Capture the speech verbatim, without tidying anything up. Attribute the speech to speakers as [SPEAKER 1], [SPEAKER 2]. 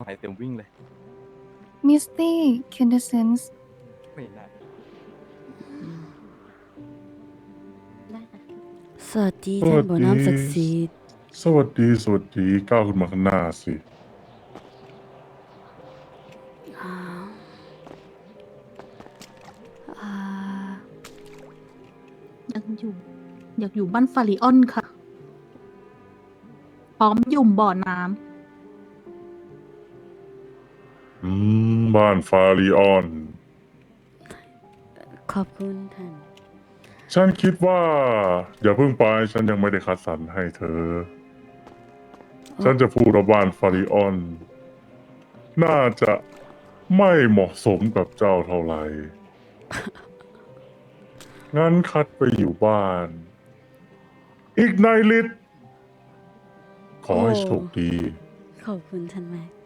[SPEAKER 1] หายเต็มวิ่งเลย
[SPEAKER 2] Misty Quintessence
[SPEAKER 1] ไม่ได้
[SPEAKER 3] ได้ค่ะ
[SPEAKER 4] สวัสดี
[SPEAKER 5] ส
[SPEAKER 4] ท่า
[SPEAKER 5] วัน ส
[SPEAKER 4] บ่อ
[SPEAKER 5] ดี
[SPEAKER 4] น้ำศักดิ์สิทธิ์
[SPEAKER 5] สวัสดี สวัสดี ก้าวขึ้นมาข้างหน้าสิ
[SPEAKER 4] อ่าอ่า
[SPEAKER 3] อยากอยู่ อยากอยู่บ้านฟาริออนค่ะ พร้อมยุ่มบ่อน้
[SPEAKER 5] อืม บ้านฟาริออน
[SPEAKER 4] ขอบคุณท่าน
[SPEAKER 5] ฉันคิดว่า อย่าเพิ่งไป ฉันยังไม่ได้คัดสรรให้เธอ ฉันจะพูดว่าบ้านฟาริออน น่าจะไม่เหมาะสมกับเจ้าเท่าไหร่ งั้นคัดไปอยู่บ้าน อีกในลิตขอให้โชคดี
[SPEAKER 4] ขอบคุณท่านแม็ก